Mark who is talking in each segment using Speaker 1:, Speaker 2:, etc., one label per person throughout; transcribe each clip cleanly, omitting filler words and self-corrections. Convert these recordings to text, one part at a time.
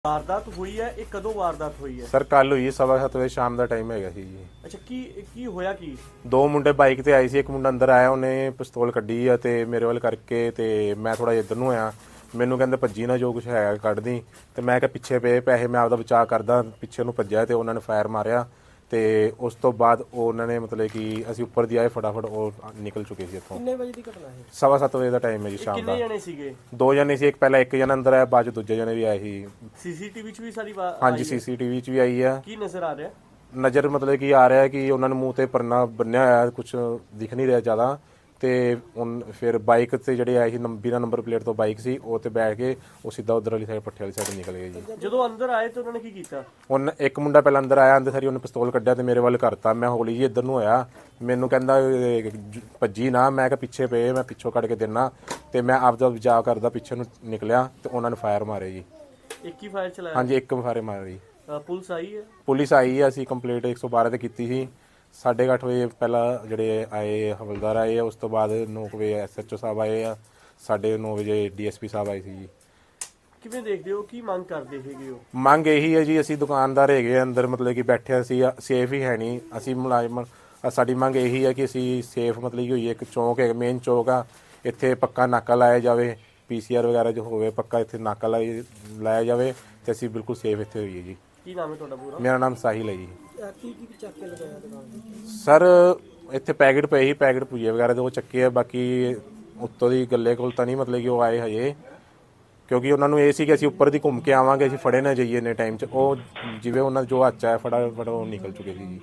Speaker 1: ਵਾਰਦਾਤ ਹੋਈ ਹੈ, ਇਹ ਕਦੋਂ ਵਾਰਦਾਤ ਹੋਈ ਹੈ?
Speaker 2: ਸਰ ਕੱਲ ਹੋਈ 7:15 ਵਜੇ ਸ਼ਾਮ ਦਾ ਟਾਈਮ ਹੈਗਾ ਸੀ ਜੀ।
Speaker 1: ਅੱਛਾ, ਕੀ ਹੋਇਆ ਕੀ?
Speaker 2: ਦੋ ਮੁੰਡੇ ਬਾਈਕ ਤੇ ਆਏ ਸੀ, ਇੱਕ ਮੁੰਡਾ ਅੰਦਰ ਆਇਆ, ਉਹਨੇ ਪਿਸਤੌਲ ਕੱਢੀ ਆ ਤੇ ਮੇਰੇ ਵੱਲ ਕਰਕੇ ਤੇ ਮੈਂ ਥੋੜਾ ਜਿਹਾ ਇੱਧਰ ਨੂੰ ਆਇਆ। ਮੈਨੂੰ ਕਹਿੰਦੇ ਭੱਜੀ ਨਾ, ਜੋ ਕੁਝ ਹੈਗਾ ਕੱਢਦੀ। ਤੇ ਮੈਂ ਕਿਹਾ ਪਿੱਛੇ ਪਏ ਪੈਸੇ, ਮੈਂ ਆਪਦਾ ਬਚਾਅ ਕਰਦਾ, ਪਿੱਛੇ ਨੂੰ ਭੱਜਿਆ ਤੇ ਉਹਨਾਂ ਨੇ ਫਾਇਰ ਮਾਰਿਆ। ਤੇ ਉਸ ਤੋਂ ਬਾਅਦ ਉਹਨਾਂ ਨੇ ਮਤਲਬ ਕਿ ਅਸੀਂ ਉੱਪਰ ਦੀ ਆਏ, ਫਟਾਫਟ ਉਹ ਨਿਕਲ ਚੁੱਕੇ ਸੀ ਇੱਥੋਂ।
Speaker 1: ਕਿੰਨੇ ਵਜੇ ਦੀ ਘਟਨਾ ਹੈ?
Speaker 2: 7:15 ਵਜੇ ਦਾ ਟਾਈਮ ਹੈ ਜੀ ਸ਼ਾਮ
Speaker 1: ਕਿੰਨੇ
Speaker 2: ਦਾ।
Speaker 1: ਜਣੇ ਸੀਗੇ?
Speaker 2: ਦੋ ਜਣੇ ਸੀ, ਇੱਕ ਪਹਿਲਾਂ ਇੱਕ ਜਣਾ ਅੰਦਰ ਆਇਆ, ਬਾਅਦ ਚ ਦੂਜੇ ਜਣੇ ਵੀ ਆਏ ਸੀ।
Speaker 1: ਸੀਸੀਟੀਵੀ 'ਚ ਵੀ ਸਾਰੀ
Speaker 2: ਹਾਂਜੀ, ਸੀਸੀਟੀਵੀ 'ਚ ਵੀ ਆਈ ਆ।
Speaker 1: ਕੀ ਨਜ਼ਰ ਆ ਰਿਹਾ?
Speaker 2: ਨਜ਼ਰ ਮਤਲਬ ਕਿ ਆ ਰਿਹਾ ਕਿ ਉਹਨਾਂ ਨੂੰ ਮੂੰਹ ਤੇ ਪਰਨਾ ਬੰਨਿਆ ਹੋਇਆ, ਕੁਝ ਦਿਖ ਨਹੀਂ ਰਿਹਾ ਜ਼ਿਆਦਾ। ਤੇ ਫਿਰ ਬਾਈਕ ਤੇ ਜਿਹੜੇ ਆਏ ਸੀ, ਬਿਨਾਂ ਨੰਬਰ ਪਲੇਟ ਤੋਂ ਬਾਈਕ ਸੀ, ਉਹ ਤੇ ਬੈਠ ਕੇ ਉਹ ਸਿੱਧਾ ਉਧਰ ਵਾਲੀ ਸਾਈਡ, ਪੱਠੇ ਵਾਲੀ ਸਾਈਡ ਨਿਕਲ ਗਏ ਜੀ।
Speaker 1: ਜਦੋਂ ਅੰਦਰ ਆਏ ਤਾਂ ਉਹਨਾਂ ਨੇ ਕੀ ਕੀਤਾ?
Speaker 2: ਇੱਕ ਮੁੰਡਾ ਪਹਿਲਾਂ ਅੰਦਰ ਆਇਆ, ਅੰਦਰ ਸਾਰੀ ਉਹਨੇ ਪਿਸਤੌਲ ਕੱਢਿਆ ਤੇ ਮੇਰੇ ਵੱਲ ਕਰਤਾ। ਮੈਂ ਹੌਲੀ ਜੀ ਇੱਧਰ ਨੂੰ ਹੋਇਆ, ਮੈਨੂੰ ਕਹਿੰਦਾ ਭੱਜੀ ਨਾ, ਮੈਂ ਕਿਹਾ ਪਿੱਛੇ ਪਏ, ਮੈਂ ਪਿੱਛੋਂ ਕੱਢ ਕੇ ਦੇਣਾ। ਤੇ ਮੈਂ ਆਪਦਾ ਬਚਾਅ ਕਰਦਾ, ਪਿੱਛੇ ਨੂੰ ਨਿਕਲਿਆ ਤੇ ਉਹਨਾਂ ਨੇ ਫਾਇਰ ਮਾਰੇ ਜੀ।
Speaker 1: ਇੱਕ ਹੀ ਫਾਇਰ ਚਲਾਇਆ?
Speaker 2: ਹਾਂਜੀ, ਇੱਕ ਫਾਇਰ ਮਾਰੇ ਜੀ।
Speaker 1: ਪੁਲਿਸ ਆਈ ਹੈ?
Speaker 2: ਪੁਲਿਸ ਆਈ ਹੈ, ਅਸੀਂ ਕੰਪਲੀਟ 112 ਤੇ ਕੀਤੀ ਸੀ। 8:30 ਵਜੇ ਪਹਿਲਾਂ ਜਿਹੜੇ ਆਏ ਹਵਲਦਾਰ ਆਏ ਆ, ਉਸ ਤੋਂ ਬਾਅਦ 9 ਵਜੇ SHO ਸਾਹਿਬ ਆਏ ਆ, 9:30 ਵਜੇ DSP ਸਾਹਿਬ ਆਏ ਸੀ ਜੀ।
Speaker 1: ਕਿਵੇਂ ਦੇਖਦੇ ਹੋ, ਕੀ ਮੰਗ ਕਰਦੇ ਹੈਗੇ ਹੋ?
Speaker 2: ਮੰਗ ਇਹੀ ਹੈ ਜੀ, ਅਸੀਂ ਦੁਕਾਨਦਾਰ ਹੈਗੇ ਅੰਦਰ, ਮਤਲਬ ਕਿ ਬੈਠੇ ਸੀ, ਸੇਫ ਹੀ ਹੈ ਨਹੀਂ। ਅਸੀਂ ਮੁਲਾਜ਼ਮ, ਸਾਡੀ ਮੰਗ ਇਹੀ ਹੈ ਕਿ ਅਸੀਂ ਸੇਫ ਮਤਲਬ ਕਿ ਹੋਈਏ। ਇੱਕ ਚੌਂਕ ਹੈ, ਮੇਨ ਚੌਂਕ ਆ, ਇੱਥੇ ਪੱਕਾ ਨਾਕਾ ਲਾਇਆ ਜਾਵੇ। PCR ਵਗੈਰਾ ਜੋ ਹੋਵੇ, ਪੱਕਾ ਇੱਥੇ ਨਾਕਾ ਲਾਇਆ ਜਾਵੇ ਤੇ ਅਸੀਂ ਬਿਲਕੁਲ ਸੇਫ ਇੱਥੇ ਹੋਈਏ ਜੀ।
Speaker 1: ਕੀ ਨਾਮ ਹੈ ਤੁਹਾਡਾ ਪੂਰਾ?
Speaker 2: ਮੇਰਾ ਨਾਮ ਸਾਹਿਲ ਹੈ ਜੀ।
Speaker 1: ਕੀ ਚੱਕ ਕੇ ਲਗਾਇਆ ਦੁਕਾਨ ਤੇ?
Speaker 2: ਸਰ ਇੱਥੇ ਪੈਕਟ ਪਏ ਸੀ, ਪੈਕਟ ਭੁਜੀਏ ਵਗੈਰਾ ਦੇ ਉਹ ਚੱਕੇ ਆ। ਬਾਕੀ ਉੱਤੋਂ ਦੀ ਗੱਲੇ ਕੋਲ ਤਾਂ ਨਹੀਂ ਮਤਲਬ ਕਿ ਉਹ ਆਏ ਹਜੇ, ਕਿਉਂਕਿ ਉਹਨਾਂ ਨੂੰ ਇਹ ਸੀ ਕਿ ਅਸੀਂ ਉੱਪਰ ਦੀ ਘੁੰਮ ਕੇ ਆਵਾਂਗੇ, ਅਸੀਂ ਫੜੇ ਨਾ ਜਾਈਏ ਇੰਨੇ ਟਾਈਮ 'ਚ। ਉਹ ਜਿਵੇਂ ਉਹਨਾਂ ਜੋ ਹੱਥ 'ਚ ਆਇਆ ਫਟਾਫਟ ਉਹ ਨਿਕਲ ਚੁੱਕੇ ਸੀ ਜੀ।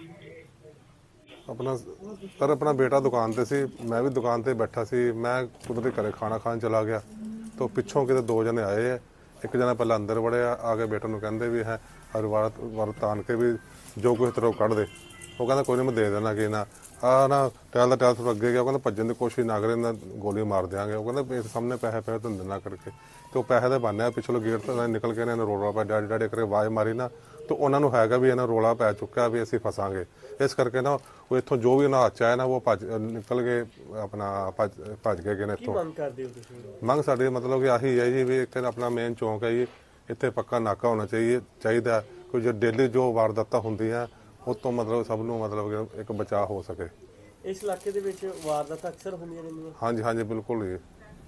Speaker 3: ਆਪਣਾ ਬੇਟਾ ਦੁਕਾਨ ਤੇ ਸੀ, ਮੈਂ ਵੀ ਦੁਕਾਨ ਤੇ ਬੈਠਾ ਸੀ। ਮੈਂ ਕੁਦਰਤੀ ਘਰੇ ਖਾਣਾ ਖਾਣ ਚਲਾ ਗਿਆ ਤਾਂ ਪਿੱਛੋਂ ਕਿਤੇ ਦੋ ਜਣੇ ਆਏ ਆ। ਇੱਕ ਜਣਾ ਪਹਿਲਾਂ ਅੰਦਰ ਵੜਿਆ, ਆ ਕੇ ਬੇਟੇ ਨੂੰ ਕਹਿੰਦੇ ਵੀ ਹੈ ਵਾਰ ਤਾਨ ਕੇ ਵੀ ਜੋ ਕੁਛ ਤਰ੍ਹਾਂ ਕੱਢ ਦੇ। ਉਹ ਕਹਿੰਦਾ ਕੋਈ ਨਹੀਂ, ਮੈਂ ਦੇ ਦੇਣਾ। ਕਿ ਨਾ ਨਾ ਟੈਲ ਦਾ ਟੈਲ ਥੋੜਾ ਅੱਗੇ ਗਿਆ, ਉਹ ਕਹਿੰਦਾ ਭੱਜਣ ਦੀ ਕੋਸ਼ਿਸ਼ ਨਾ ਕਰੇ, ਨਾ ਗੋਲੀ ਮਾਰ ਦਿਆਂਗੇ। ਉਹ ਕਹਿੰਦਾ ਇਸ ਸਾਹਮਣੇ ਪੈਸੇ ਤੁਹਾਨੂੰ ਦੇਣਾ ਕਰਕੇ। ਤੇ ਉਹ ਪੈਸੇ ਦੇ ਬਹਾਨੇ ਪਿਛਲੇ ਗੇਟ ਤੋਂ ਨਿਕਲ ਕੇ ਇਹਨਾਂ ਰੋਲਾ ਪਿਆ, ਡੈਡੀ ਡੈਡੀ ਕਰਕੇ ਆਵਾਜ਼ ਮਾਰੀ ਨਾ। ਤੇ ਉਹਨਾਂ ਨੂੰ ਹੈਗਾ ਵੀ ਇਹਨਾਂ ਰੋਲਾ ਪੈ ਚੁੱਕਿਆ ਵੀ ਅਸੀਂ ਫਸਾਂਗੇ। ਇਸ ਕਰਕੇ ਨਾ ਉਹ ਇੱਥੋਂ ਜੋ ਵੀ ਉਹਨਾਂ ਹੱਥ 'ਚ ਆਇਆ ਨਾ, ਉਹ ਨਿਕਲ ਕੇ ਆਪਣਾ ਭੱਜ ਗਏ ਨੇ ਇੱਥੋਂ।
Speaker 1: ਮੰਗ ਕਰਦੇ ਹੋ ਤੁਸੀਂ?
Speaker 3: ਮੰਗ ਸਾਡੀ ਮਤਲਬ ਕਿ ਆਹੀ ਹੈ ਜੀ ਵੀ ਇੱਥੇ ਆਪਣਾ ਮੇਨ ਚੌਂਕ ਹੈ ਜੀ, ਇੱਥੇ ਪੱਕਾ ਨਾਕਾ ਹੋਣਾ ਚਾਹੀਦਾ। ਕੋਈ ਜੋ ਡੇਲੀ ਜੋ ਵਾਰਦਾਤਾਂ ਹੁੰਦੀਆਂ ਉਹ ਤੋਂ ਮਤਲਬ ਸਭ ਨੂੰ ਮਤਲਬ ਕਿ ਇੱਕ ਬਚਾਅ ਹੋ ਸਕੇ।
Speaker 1: ਇਸ ਇਲਾਕੇ ਦੇ ਵਿੱਚ ਵਾਰਦਾਤਾਂ ਅਕਸਰ ਹੁੰਦੀਆਂ ਰਹਿੰਦੀਆਂ?
Speaker 3: ਹਾਂਜੀ ਹਾਂਜੀ, ਬਿਲਕੁਲ ਜੀ।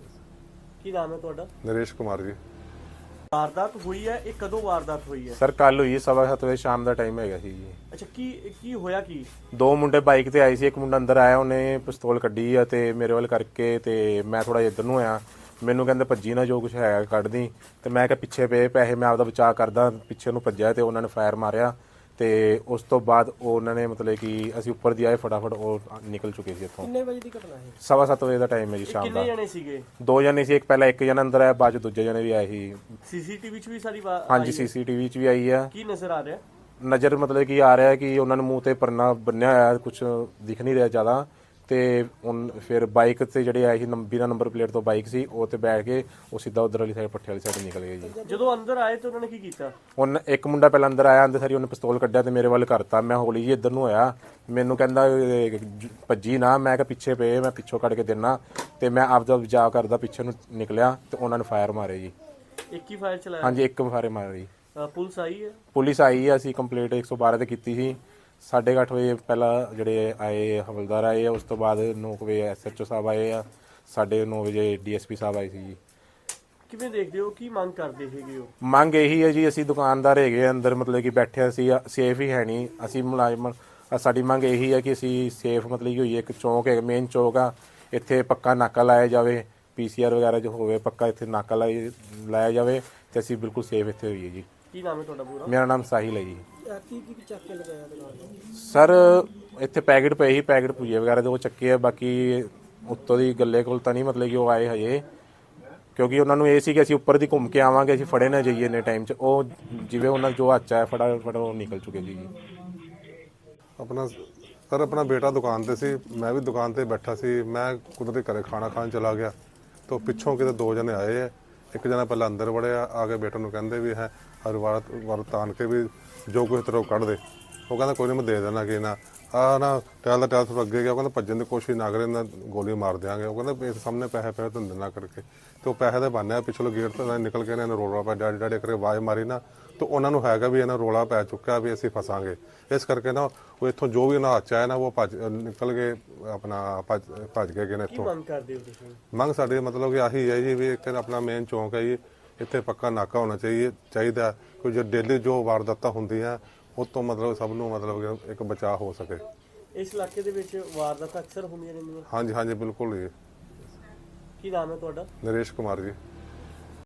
Speaker 1: ਕੀ ਨਾਮ ਹੈ ਤੁਹਾਡਾ?
Speaker 3: ਨਰੇਸ਼ ਕੁਮਾਰ ਜੀ।
Speaker 1: ਵਾਰਦਾਤ ਹੋਈ ਹੈ, ਇਹ ਕਦੋਂ ਵਾਰਦਾਤ ਹੋਈ ਹੈ?
Speaker 2: ਸਰ ਕੱਲ ਹੋਈ 7:15 ਵਜੇ ਸ਼ਾਮ ਦਾ ਟਾਈਮ ਹੈਗਾ ਸੀ ਜੀ।
Speaker 1: ਅੱਛਾ, ਕੀ ਹੋਇਆ ਕੀ?
Speaker 2: ਦੋ ਮੁੰਡੇ ਬਾਈਕ ਤੇ ਆਏ ਸੀ, ਇੱਕ ਮੁੰਡਾ ਅੰਦਰ ਆਇਆ, ਉਹਨੇ ਪਿਸਤੌਲ ਕੱਢੀ ਆ ਤੇ ਮੇਰੇ ਵੱਲ ਕਰਕੇ ਤੇ ਮੈਂ ਥੋੜਾ ਜਿਹਾ ਇੱਧਰ ਨੂੰ ਆਇਆ। ਮੈਨੂੰ ਕਹਿੰਦੇ ਭੱਜੀ ਨਾ, ਜੋ ਕੁਝ ਹੈਗਾ ਕੱਢਦੀ। ਤੇ ਮੈਂ ਕਿਹਾ ਪਿੱਛੇ ਪਏ ਪੈਸੇ, ਮੈਂ ਆਪਦਾ ਬਚਾਅ ਕਰਦਾ, ਪਿੱਛੇ ਨੂੰ ਭੱਜਿਆ ਤੇ ਉਹਨਾਂ ਨੇ ਫਾਇਰ ਮਾਰਿਆ। ਤੇ ਉਸ ਤੋਂ ਬਾਅਦ ਉਹਨਾਂ ਨੇ ਮਤਲਬ ਕਿ ਅਸੀਂ ਉੱਪਰ ਦੀ ਆਏ, ਫਟਾਫਟ ਉਹ ਨਿਕਲ ਚੁੱਕੇ ਸੀ ਇੱਥੋਂ।
Speaker 1: ਕਿੰਨੇ ਵਜੇ ਦੀ ਘਟਨਾ ਹੈ?
Speaker 2: 7:15 ਵਜੇ ਦਾ ਟਾਈਮ ਹੈ ਜੀ ਸ਼ਾਮ ਦਾ।
Speaker 1: ਕਿੰਨੇ ਜਣੇ ਸੀਗੇ?
Speaker 2: ਦੋ ਜਣੇ ਸੀ, ਇੱਕ ਪਹਿਲਾਂ ਇੱਕ ਜਣਾ ਅੰਦਰ ਆਇਆ, ਬਾਅਦ ਚ ਦੂਜੇ ਜਣੇ ਵੀ ਆਏ ਸੀ।
Speaker 1: ਸੀਸੀਟੀਵੀ 'ਚ ਵੀ ਸਾਰੀ
Speaker 2: ਹਾਂਜੀ, ਸੀਸੀਟੀਵੀ 'ਚ ਵੀ ਆਈ ਆ।
Speaker 1: ਕੀ ਨਜ਼ਰ ਆ ਰਿਹਾ?
Speaker 2: ਨਜ਼ਰ ਮਤਲਬ ਕਿ ਆ ਰਿਹਾ ਕਿ ਉਹਨਾਂ ਨੂੰ ਮੂੰਹ ਤੇ ਪਰਨਾ ਬੰਨਿਆ ਹੋਇਆ, ਕੁਝ ਦਿਖ ਨਹੀਂ ਰਿਹਾ ਜ਼ਿਆਦਾ। ਤੇ ਫਿਰ ਬਾਈਕ ਤੇ ਜਿਹੜੇ ਆਏ ਸੀ, ਬਿਨਾਂ ਨੰਬਰ ਪਲੇਟ ਤੋਂ ਬਾਈਕ ਸੀ, ਉਹ ਤੇ ਬੈਠ ਕੇ ਉਹ ਸਿੱਧਾ ਉਧਰ ਵਾਲੀ ਸਾਈਡ, ਪੱਠੇ ਵਾਲੀ ਸਾਈਡ ਨਿਕਲ ਗਏ ਜੀ।
Speaker 1: ਜਦੋਂ ਅੰਦਰ ਆਏ ਤਾਂ ਉਹਨਾਂ ਨੇ ਕੀ ਕੀਤਾ?
Speaker 2: ਇੱਕ ਮੁੰਡਾ ਪਹਿਲਾਂ ਅੰਦਰ ਆਇਆ, ਅੰਦਰ ਸਾਰੀ ਉਹਨੇ ਪਿਸਤੌਲ ਕੱਢਿਆ ਤੇ ਮੇਰੇ ਵੱਲ ਕਰਤਾ। ਮੈਂ ਹੌਲੀ ਜੀ ਇੱਧਰ ਨੂੰ ਹੋਇਆ, ਮੈਨੂੰ ਕਹਿੰਦਾ ਭੱਜੀ ਨਾ, ਮੈਂ ਕਿਹਾ ਪਿੱਛੇ ਪਏ, ਮੈਂ ਪਿੱਛੋਂ ਕੱਢ ਕੇ ਦੇਣਾ। ਤੇ ਮੈਂ ਆਪਦਾ ਬਚਾਅ ਕਰਦਾ, ਪਿੱਛੇ ਨੂੰ ਨਿਕਲਿਆ ਤੇ ਉਹਨਾਂ ਨੇ ਫਾਇਰ ਮਾਰੇ ਜੀ।
Speaker 1: ਇੱਕ ਹੀ ਫਾਇਰ ਚਲਾਇਆ?
Speaker 2: ਹਾਂਜੀ, ਇੱਕ ਫਾਇਰ ਮਾਰੇ ਜੀ।
Speaker 1: ਪੁਲਿਸ ਆਈ ਹੈ?
Speaker 2: ਪੁਲਿਸ ਆਈ ਹੈ, ਅਸੀਂ ਕੰਪਲੀਟ 112 ਤੇ ਕੀਤੀ ਸੀ। 8:30 ਵਜੇ ਪਹਿਲਾਂ ਜਿਹੜੇ ਆਏ ਹਵਲਦਾਰ ਆਏ ਆ, ਉਸ ਤੋਂ ਬਾਅਦ 9 ਵਜੇ SHO ਸਾਹਿਬ ਆਏ ਆ, 9:30 ਵਜੇ DSP ਸਾਹਿਬ ਆਏ ਸੀ ਜੀ।
Speaker 1: ਕਿਵੇਂ ਦੇਖਦੇ ਹੋ, ਕੀ ਮੰਗ ਕਰਦੇ ਹੈਗੇ ਹੋ?
Speaker 2: ਮੰਗ ਇਹੀ ਹੈ ਜੀ, ਅਸੀਂ ਦੁਕਾਨਦਾਰ ਹੈਗੇ ਅੰਦਰ, ਮਤਲਬ ਕਿ ਬੈਠੇ ਸੀ, ਸੇਫ ਹੀ ਹੈ ਨਹੀਂ। ਅਸੀਂ ਮੁਲਾਜ਼ਮ, ਸਾਡੀ ਮੰਗ ਇਹੀ ਹੈ ਕਿ ਅਸੀਂ ਸੇਫ ਮਤਲਬ ਕਿ ਹੋਈਏ। ਇੱਕ ਚੌਂਕ ਹੈ, ਮੇਨ ਚੌਂਕ ਆ, ਇੱਥੇ ਪੱਕਾ ਨਾਕਾ ਲਾਇਆ ਜਾਵੇ। PCR ਵਗੈਰਾ ਜੋ ਹੋਵੇ, ਪੱਕਾ ਇੱਥੇ ਨਾਕਾ ਲਾਇਆ ਜਾਵੇ ਤੇ ਅਸੀਂ ਬਿਲਕੁਲ ਸੇਫ ਇੱਥੇ ਹੋਈਏ ਜੀ।
Speaker 1: ਕੀ ਨਾਮ ਹੈ ਤੁਹਾਡਾ ਪੂਰਾ?
Speaker 2: ਮੇਰਾ ਨਾਮ ਸਾਹਿਲ ਹੈ ਜੀ।
Speaker 1: ਕੀ ਚੱਕ ਕੇ ਲਗਾਇਆ ਦੁਕਾਨ ਤੇ?
Speaker 2: ਸਰ ਇੱਥੇ ਪੈਕਟ ਪਏ ਸੀ, ਪੈਕਟ ਭੁਜੀਏ ਵਗੈਰਾ ਦੇ ਉਹ ਚੱਕੇ ਆ। ਬਾਕੀ ਉੱਤੋਂ ਦੀ ਗੱਲੇ ਕੋਲ ਤਾਂ ਨਹੀਂ ਮਤਲਬ ਕਿ ਉਹ ਆਏ ਹਜੇ, ਕਿਉਂਕਿ ਉਹਨਾਂ ਨੂੰ ਇਹ ਸੀ ਕਿ ਅਸੀਂ ਉੱਪਰ ਦੀ ਘੁੰਮ ਕੇ ਆਵਾਂਗੇ, ਅਸੀਂ ਫੜੇ ਨਾ ਜਾਈਏ ਇੰਨੇ ਟਾਈਮ 'ਚ। ਉਹ ਜਿਵੇਂ ਉਹਨਾਂ ਜੋ ਹੱਥ 'ਚ ਆਇਆ ਫਟਾਫਟ ਉਹ ਨਿਕਲ ਚੁੱਕੇ ਸੀ ਜੀ।
Speaker 3: ਆਪਣਾ ਬੇਟਾ ਦੁਕਾਨ ਤੇ ਸੀ, ਮੈਂ ਵੀ ਦੁਕਾਨ ਤੇ ਬੈਠਾ ਸੀ। ਮੈਂ ਕੁਦਰਤੀ ਘਰੇ ਖਾਣਾ ਖਾਣ ਚਲਾ ਗਿਆ ਤਾਂ ਪਿੱਛੋਂ ਕਿਤੇ ਦੋ ਜਣੇ ਆਏ ਆ। ਇੱਕ ਜਣਾ ਪਹਿਲਾਂ ਅੰਦਰ ਵੜਿਆ, ਆ ਕੇ ਬੇਟੇ ਨੂੰ ਕਹਿੰਦੇ ਵੀ ਹੈ ਔਰ ਵਾਰਤ ਆਣ ਕੇ ਵੀ ਜੋ ਕੁਛ ਤਰ੍ਹਾਂ ਕੱਢ ਦੇ। ਉਹ ਕਹਿੰਦਾ ਕੋਈ ਨਹੀਂ ਮੈਂ ਦੇ ਦੇਣਾ ਕਿ ਨਾ ਆ ਨਾ ਟੈਲ ਦਾ ਟੈਲ ਥੋੜਾ ਅੱਗੇ ਗਿਆ। ਉਹ ਕਹਿੰਦਾ ਭੱਜਣ ਦੀ ਕੋਸ਼ਿਸ਼ ਨਾ ਕਰੇ ਨਾ ਗੋਲੀ ਮਾਰ ਦਿਆਂਗੇ। ਉਹ ਕਹਿੰਦਾ ਇਸ ਸਾਹਮਣੇ ਪੈਸੇ ਪਏ ਤੁਹਾਨੂੰ ਦੇਣਾ ਕਰਕੇ ਤੇ ਉਹ ਪੈਸੇ ਦੇ ਬਹਾਨੇ ਪਿਛਲੇ ਗੇਟ ਤੋਂ ਨਿਕਲ ਕੇ ਇਹਨਾਂ ਰੋਲਾ ਪਾ ਡੈਡੀ ਡੈਡੀ ਕਰਕੇ ਆਵਾਜ਼ ਮਾਰੀ ਨਾ ਤੇ ਉਹਨਾਂ ਨੂੰ ਹੈਗਾ ਵੀ ਇਹਨਾਂ ਰੋਲਾ ਪੈ ਚੁੱਕਾ ਵੀ ਅਸੀਂ ਫਸਾਂਗੇ। ਇਸ ਕਰਕੇ ਨਾ ਉਹ ਇੱਥੋਂ ਜੋ ਵੀ ਉਹਨਾਂ ਹੱਥ ਆਇਆ ਨਾ ਉਹ ਨਿਕਲ ਕੇ ਆਪਣਾ ਭੱਜ ਗਏ ਨੇ ਇੱਥੋਂ।
Speaker 1: ਮੰਗ ਕਰਦੇ ਹੋ ਤੁਸੀਂ?
Speaker 3: ਮੰਗ ਸਾਡੀ ਮਤਲਬ ਕਿ ਆਹੀ ਹੈ ਜੀ ਵੀ ਇੱਕ ਆਪਣਾ ਮੇਨ ਚੌਂਕ ਹੈ ਜੀ, ਇੱਥੇ ਪੱਕਾ ਨਾਕਾ ਹੋਣਾ ਚਾਹੀਦਾ ਕੋਈ ਜੋ ਡੇਲੀ ਜੋ ਵਾਰਦਾਤਾਂ ਹੁੰਦੀਆਂ ਉਹ ਤੋਂ ਮਤਲਬ ਸਭ ਨੂੰ ਮਤਲਬ ਕਿ ਇੱਕ ਬਚਾਅ ਹੋ ਸਕੇ।
Speaker 1: ਇਸ ਇਲਾਕੇ ਦੇ ਵਿੱਚ ਵਾਰਦਾਤਾਂ ਅਕਸਰ ਹੁੰਦੀਆਂ ਰਹਿੰਦੀਆਂ?
Speaker 3: ਹਾਂਜੀ ਹਾਂਜੀ ਬਿਲਕੁਲ ਜੀ।
Speaker 1: ਕੀ ਨਾਮ ਹੈ ਤੁਹਾਡਾ?
Speaker 3: ਨਰੇਸ਼ ਕੁਮਾਰ ਜੀ।